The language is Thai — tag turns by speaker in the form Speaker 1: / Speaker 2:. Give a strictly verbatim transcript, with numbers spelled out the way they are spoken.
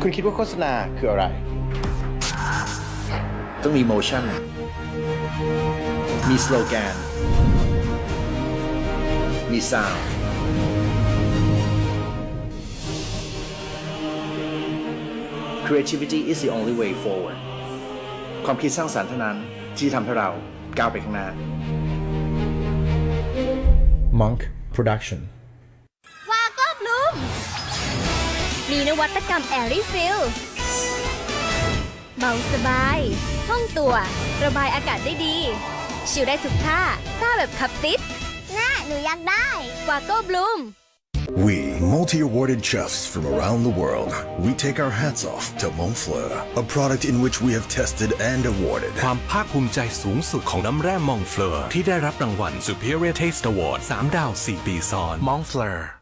Speaker 1: คุณคิดว่าโฆษณาคืออะไรต้องมี motion มี slogan มี sound creativity is the only way forward ความคิดสร้างสรรค์เท่านั้นที่ทำให้เราก้าวไปข้างหน้า
Speaker 2: Monk Production
Speaker 3: วาก็บลูมมีนวัตกรรม Airy Fill เบาสบายห้องตัวระบายอากาศได้ดีชิลได้ทุกท่าซ่าแบบขับติดน่าหนูอยากได้วาก็บลูม
Speaker 4: We, multi-awarded chefs from around the world, we take our hats off to Montfleur, a product in which we have tested and awarded.
Speaker 5: ความภาคภูมิใจสูงสุดของน้ำแร่มองเฟลอร์ที่ได้รับรางวัล Superior Taste Award สามดาวสี่ปีซ้อน Montfleur